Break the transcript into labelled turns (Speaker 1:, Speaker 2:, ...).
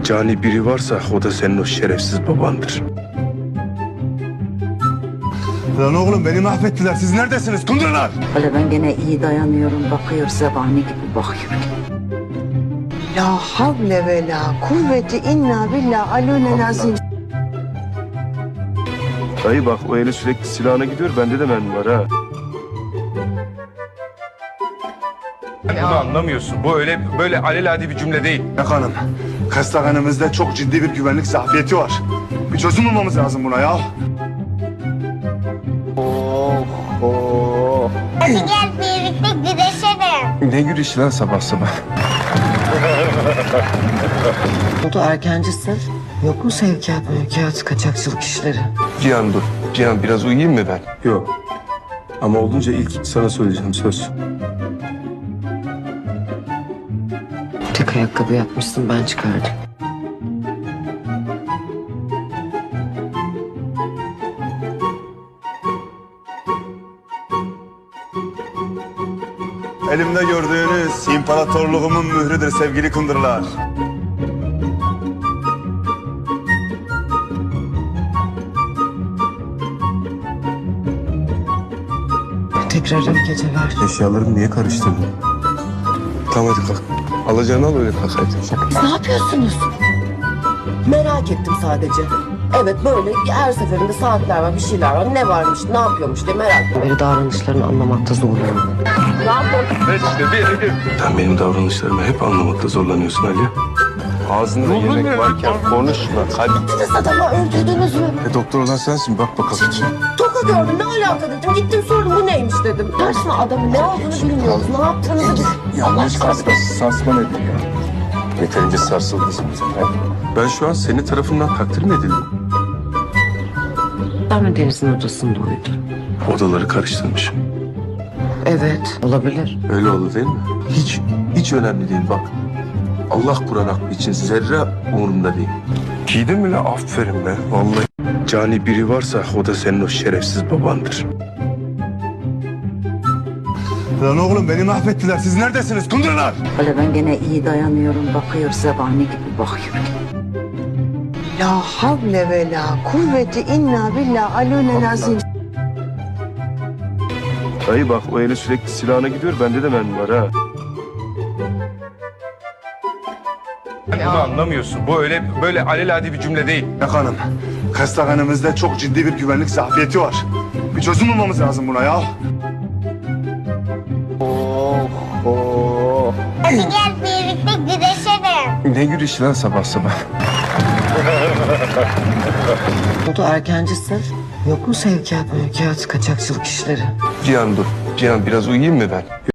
Speaker 1: Cani biri varsa o da senin o şerefsiz babandır.
Speaker 2: Lan oğlum beni mahvettiler. Siz neredesiniz? Kundurlar!
Speaker 3: Öyle ben gene iyi dayanıyorum. Bakıyor zebani gibi bakıyor.
Speaker 4: La havle ve la kuvveti inna billah aleyhine azim.
Speaker 1: Dayı bak o eli sürekli silahına gidiyor. Bende de mermi var ha. Bunu anlamıyorsun. Bu öyle böyle alelade bir cümle değil.
Speaker 2: Bak hanım, hastanemizde çok ciddi bir güvenlik zafiyeti var. Bir çözüm bulmamız lazım buna ya.
Speaker 5: Hadi gel birlikte güreşelim.
Speaker 1: Ne gülüşü lan sabah sabah.
Speaker 4: Oldu erkencisin. Yok mu sevkiyat, kaçakçılık işleri?
Speaker 1: Cihan dur. Cihan biraz uyuyayım mı ben? Yok. Ama olunca ilk sana söyleyeceğim söz.
Speaker 4: Tek ayakkabı yapmışsın ben çıkardım.
Speaker 2: Elimde gördüğünüz imparatorluğumun mührüdür sevgili kundurlar.
Speaker 4: Tekrar iyi geceler.
Speaker 1: Eşyalarımı niye karıştırdın? Tamam hadi kalk. Alacağını al öyle kalk hadi.
Speaker 4: Siz ne yapıyorsunuz? Merak ettim sadece. Evet böyle her seferinde saatler var, bir şeyler var. Ne varmış, ne yapıyormuş diye merak ettim. Böyle davranışlarını anlamakta zorlanıyorum. Ne yapıyorsun?
Speaker 1: Sen benim davranışlarımı hep anlamakta zorlanıyorsun Ali. Ağzında yemek varken konuşma. Hadi.
Speaker 4: Siz adamı öldürdünüz mü?
Speaker 1: Doktor olan sensin bak bakalım.
Speaker 4: Toka gördüm, ne alaka dedim. Gittim sordum, bu neymiş dedim. Karşıma adamın ne olduğunu bilmiyoruz. Ne yaptığınızı biz...
Speaker 1: Yanlış sarsman edin ya. Yeterince sarsıldınız mı? Ben şu an senin tarafından takdir mi edildim?
Speaker 4: Ben mi Deniz'in odasında uyudum?
Speaker 1: Odaları karıştırmışım.
Speaker 4: Evet, olabilir.
Speaker 1: Öyle oldu değil mi? Hiç önemli değil bak. Allah Kur'an hakkı için zerre umurumda değil. Giydin mi la? Aferin be. Vallahi. Cani biri varsa o da senin o şerefsiz babandır.
Speaker 2: Lan oğlum beni mahvettiler. Siz neredesiniz? Kundurlar!
Speaker 3: Öyle ben gene iyi dayanıyorum. Bakıyor zebani gibi bakıyor.
Speaker 4: La havle ve la kuvveti inna billah aleyhine azim.
Speaker 1: Dayı bak o eli sürekli silahına gidiyor. Bende de mermi var ha. Bunu anlamıyorsun. Bu öyle böyle alelade bir cümle değil.
Speaker 2: Bak hanım, hastanemizde çok ciddi bir güvenlik zafiyeti var. Bir çözüm bulmamız lazım buna ya.
Speaker 5: Hadi gel birlikte güreşelim.
Speaker 1: Ne gülüşü lan sabah sabah.
Speaker 4: Oldu erkencisin. Yok mu sevkiyat, kaçakçılık işleri?
Speaker 1: Cihan dur. Cihan biraz uyuyayım mı ben?